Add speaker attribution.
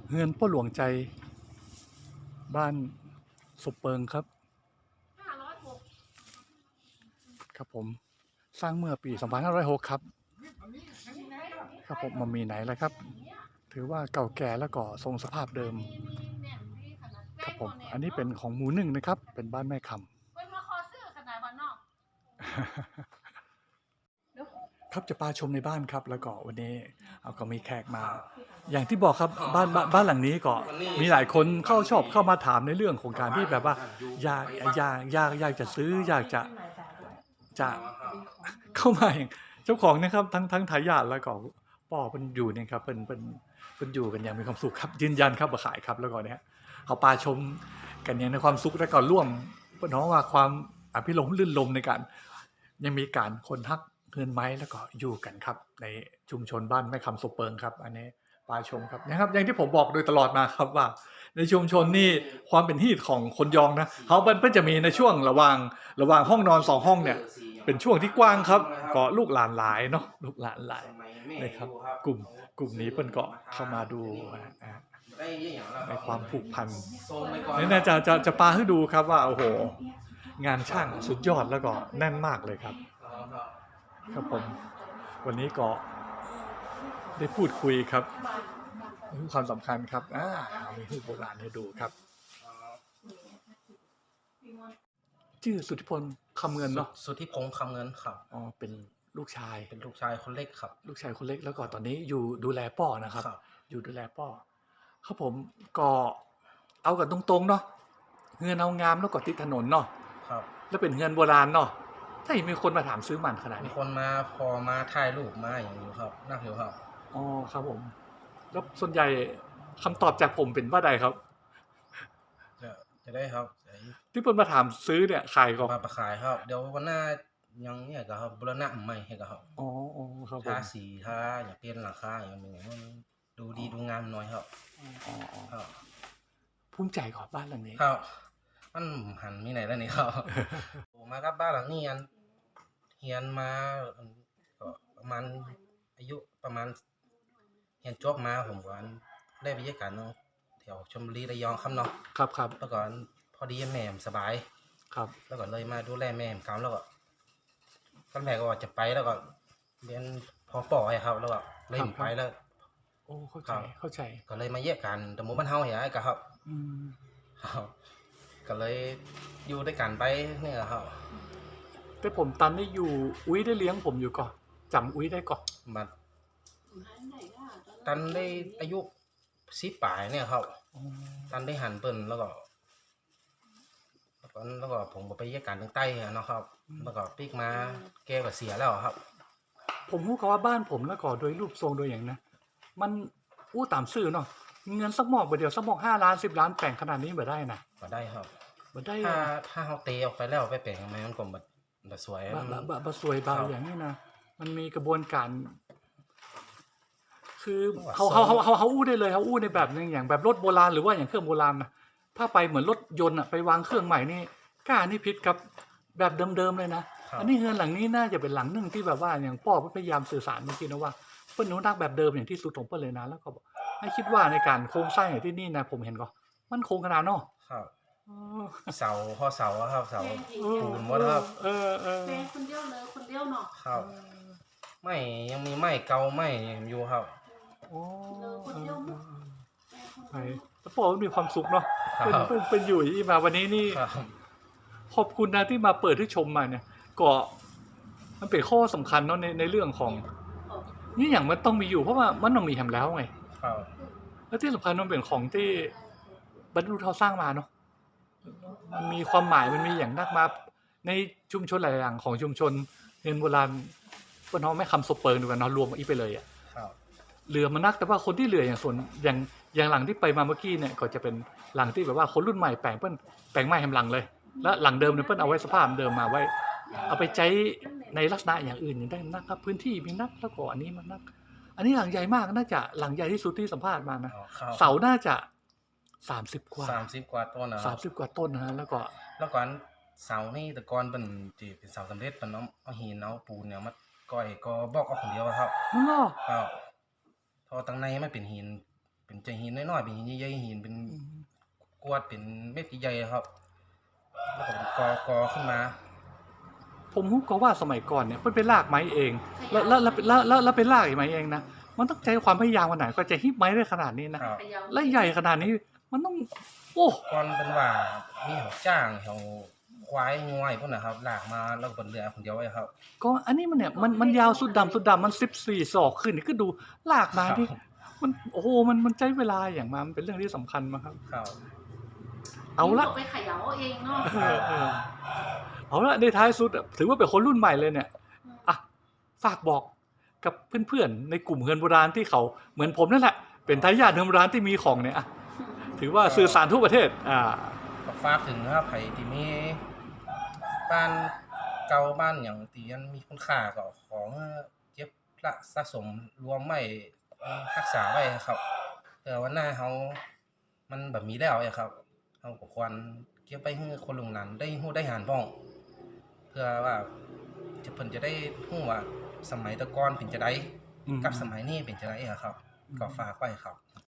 Speaker 1: เฮือนพ่อหลวงใจบ้านศพเปิงครับครับผมสร้างเมื่อปี2506ครับครับผมมันมีไหนแล้วครับถือว่าเก่าแก่แล้วก็ทรงสภาพเดิมครับผมอันนี้เป็นของหมู่หนึ่งนะครับเป็นบ้านแม่คำครับจะพาชมในบ้านครับแล้วก็วันนี้เอาก็มีแขกมา อย่างที่บอกครับบ้านหลังนี้ก็มีหลายคนชอบเข้ามาถามในเรื่องของการที่แบบว่าอยากจะซื้ออยากจะเข้ามาอย่างเจ้าของนะครับทั้งทายาทแล้วก็ป่อเป็นอยู่เนี่ยครับเป็นอยู่กันอย่างมีความสุขครับยืนยันครับมาขายครับแล้วก็เนี่ยเขาปาชมกันอย่างในความสุขแล้วก็ร่วมเป็นน้องว่าความอภิรมย์ลื่นลมในการยังมีการคนทักเงินไม้แล้วก็อยู่กันครับในชุมชนบ้านแม่คำสุเปิงครับอันนี้ปาชมครับนะครับอย่างที่ผมบอกโดยตลอดมาครับว่าในชุมชนนี่ความเป็นฮีตของคนยองนะเขาเพิ่นจะมีในช่วงระหว่างห้องนอน2ห้องเนี่ยเป็นช่วงที่กว้างครับก็ลูกหลานหลายเนาะลูกหลานหลายนะครับกลุ่มนี้เพิ่นก็เข้ามาดูในความผูกพันนี่น่าจะปาให้ดูครับว่าโอ้โหงานช่างสุดยอดแล้วก็แน่นมากเลยครับครับผมวันนี้ก็ได้พูดคุยครับความสำคัญครับมีรูปโบราณให้ดูครับชื่อสุทธิพลคำเงินเนาะ
Speaker 2: สุทธิพงษ์คำเงินครับ
Speaker 1: อ๋อเป็นลูกชาย
Speaker 2: คนเล็กครับ
Speaker 1: ลูกชายคนเล็กแล้วก็ตอนนี้อยู่ดูแลป่อนะครับอยู่ดูแลป่อครับผมก็เอากันตรงๆเนาะเฮือนเอางามแล้วก็ติดถนนเนาะ
Speaker 2: ครับ
Speaker 1: แล้วเป็นเฮือนโบราณเนาะถ้ามีคนมาถามซื้อมันขนาดนี้
Speaker 2: มีคนมาพอมาถ่ายรูปมาอย่างนี้ครับน่าหิวครับ
Speaker 1: อ๋อครับผมแล้วส่วนใหญ่คำตอบจากผมเป็นว่าใดครับ
Speaker 2: จะได้ครับ
Speaker 1: ที่เพิ่นมาถามซื้อเนี่ยขายก็
Speaker 2: มาขายครับเดี๋ยววันหน้ายังเนี่ยก็ครับบูรณะใหม่ให้ก็ครับ
Speaker 1: อ๋อครับผม
Speaker 2: ทาสีทาอย่างเปลี่ยนหลังคาอย่างนี้ดูดีดูงามหน่อยครับ
Speaker 1: อ๋อ
Speaker 2: ครับ
Speaker 1: ภูมิใจก่อนบ้านหลังนี้
Speaker 2: ครับมันหันมีไหนแล้วนี่ครับมากับบ้านหลังนี้อันเฮียนมาก็ประมาณอายุประมาณเฮียนจบมาผมก็ได้ไปเยี่ยมกันเนาะแถวชลบุรีระยองครับเนาะ
Speaker 1: ครับ
Speaker 2: แล้วก็พอดีแม่สบาย
Speaker 1: ครับ
Speaker 2: แล้วก็เลยมาดูแลแม่ครับแล้วก็ตอนแรกก็จะไปแล้วก็เรียนพอปอครับแล้วก็เลยไปแล้ว
Speaker 1: โอ้เข้าใจ
Speaker 2: ก็เลยมาเยี่ยมกันแต่หมู่บ้านเฮาอย่างไรก็ครับก็เลยอยู่ด้วยกันไปนี่แหละครับ
Speaker 1: แต่ผมตันได้อยู่อุ้ยได้เลี้ยงผมอยู่ก่อนจำอุ้ยได้ก่อน
Speaker 2: มาตันได้อายุ10 ปลายเนี่ยครับตันได้หันเปิ้นแล้วก็ผมก็ไปเยี่ยมกันทางใต้เนาะครับแล้วก็ปีกมาแกก็เสียแล้วครับ
Speaker 1: ผมรู้เขาว่าบ้านผมแล้วก็โดยรูปทรงโดยอย่างนะมันตามซื่อเนาะเงินสักหมอกเดียวสักหมอก5 ล้าน10 ล้านแต่งขนาดนี้บ่ได้นะ
Speaker 2: บ่ได้ครับ
Speaker 1: บ่ได้
Speaker 2: ถ้าเฮาเตะออกไปแล้วไปแปลงมันก็บ่สวย
Speaker 1: บ่สวยบาอย่างนี้นะมันมีกระบวนการคือเขาได้เลยเขาในแบบนึงอย่างแบบรถโบราณหรือว่าอย่างเครื่องโบราณนะถ้าไปเหมือนรถยนต์ไปวางเครื่องใหม่นี่กล้านี่ผิดกับแบบเดิมๆเลยนะอันนี้เฮือนหลังนี้น่าจะเป็นหลังนึงที่แบบว่าอย่างพ่อพยายามสื่อสารเมื่อกี้นะว่าเปิ้นอนุรักษ์แบบเดิมอย่างที่สุดของเปิ้นเลยนะแล้วก็ให้คิดว่าในการโครงสร้างอย่างที่นี่นะผมเห็นก็มันคงขนาดเนาะ
Speaker 2: ครับเสาข้อเสาครับเสาปูนหมดครับ
Speaker 3: แม่คนเดียวเลยคนเดียวเนาะ
Speaker 2: ครับไม่ยังมีไม้เก่าไม้อยู่ครับ
Speaker 1: ไอ้แล้วพ่อมีความสุขเนาะเป็นอยู่ที่มาวันนี้นี่ขอบคุณนะที่มาเปิดให้ชมมาเนี่ยก็มันเป็นข้อสำคัญเนาะในเรื่องของนี่อย่างมันต้องมีอยู่เพราะว่ามันต้องมีแฮมแล้วไงแล้วที่สำคัญมันเป็นของที่บรรลุเขาสร้างมาเนาะมันมีความหมายมันมีอย่างนักมาในชุมชนหลายอย่างของชุมชนเงินโบราณเปิ้นเฮาไม่คำสเปิงดูกันเนาะรวมอีกไปเลยอ่ะเหลือมันนักแต่ว่าคนที่เหลืออย่างส่วนอย่างหลังที่ไปมาเมื่อกี้เนี่ยก็จะเป็นหลังที่แบบว่าคนรุ่นใหม่แปลงใหม่แฮมหลังเลยแล้วหลังเดิมเนี่ยเปิ้นเอาไว้สภาพเดิมมาไว้เอาไปใช้ในลักษณะอย่างอื่นอย่างได้นักครับพื้นที่มีนักแล้วก็อันนี้มันนักอันนี้หลังใหญ่มากน่าจะหลังใหญ่ที่สุดที่สัมภาษณ์มานะเสาน่าจะ30 กว่า
Speaker 2: ต้นนะ
Speaker 1: 30 กว่าต้นนะฮะแล้วก็
Speaker 2: เสานี่แต่ก่อนเป็นเสาสำเร็จเป็นเอาหินเอาปูนเนี่ยมาก้อยก็บอกเอาคนเดียวครับ
Speaker 1: อ๋อ
Speaker 2: ครับพอตั้งในไม่เป็นหินเป็นใจหินน้อยๆเป็นหินใหญ่ๆหินเป็นกรวดเป็นเม็ดใหญ่ๆครับแล้วก็เป็นกอขึ้นมา
Speaker 1: ผมรู้ก็ว่าสมัยก่อนเนี่ยมันเป็นรากไม้เอง แล้วเป็นรากไม้เองนะมันต้องใช้ความพยายามขนาดก็จะฮิปไม้ได้ขนาดนี้นะครับ
Speaker 3: เขย่า
Speaker 1: และใหญ่ขนาดนี้มันต้องโอ้
Speaker 2: ก่อนเป็นว่ามีเขาจ้างเขาควายงวยพวกนะครับลากมาแล้วก็บนเรือคนเดียวไว้ครับ
Speaker 1: ก็อันนี้มันเนี่ยมันยาวสุดดำมัน14 ศอกขึ้นนี่ก็ดูลากมาที่มันโอ้โหมันใช้เวลาอย่างมามันเป็นเรื่องที่สำคัญมากครับ
Speaker 2: ครับ
Speaker 1: เอาละ
Speaker 3: ไปเขย่าเองเนาะ
Speaker 1: เอาละในท้ายสุดอะถือว่าเป็นคนรุ่นใหม่เลยเนี่ยอ่ะฝากบอกกับเพื่อนๆในกลุ่มเฮือนโบราณที่เขาเหมือนผมนั่นแหละเป็นทายาทเฮือนโบราณที่มีของเนี่ยอ่ะถือว่าสื่อสารทั่วประเทศ
Speaker 2: ก็ฝากถึงนะครับใครที่มีบ้านเก่าบ้านอย่างที่มันมีคุณค่าก็ของเก็บละสะสมรวมไว้รักษาไว้ครับเพื่อวันหน้าเขามันแบบมีแล้วอะครับเขาก็ควรเก็บไว้ให้คนรุ่นหลังได้ฮู้ได้หานพ้อง เพื่อว่าเพิ่นจะได้ฮู้ว่าสมัยแตะก่อนเป็นจังไดกับสมัยนี้เป็นจังไดอะครับก็ฝากไว้ครับ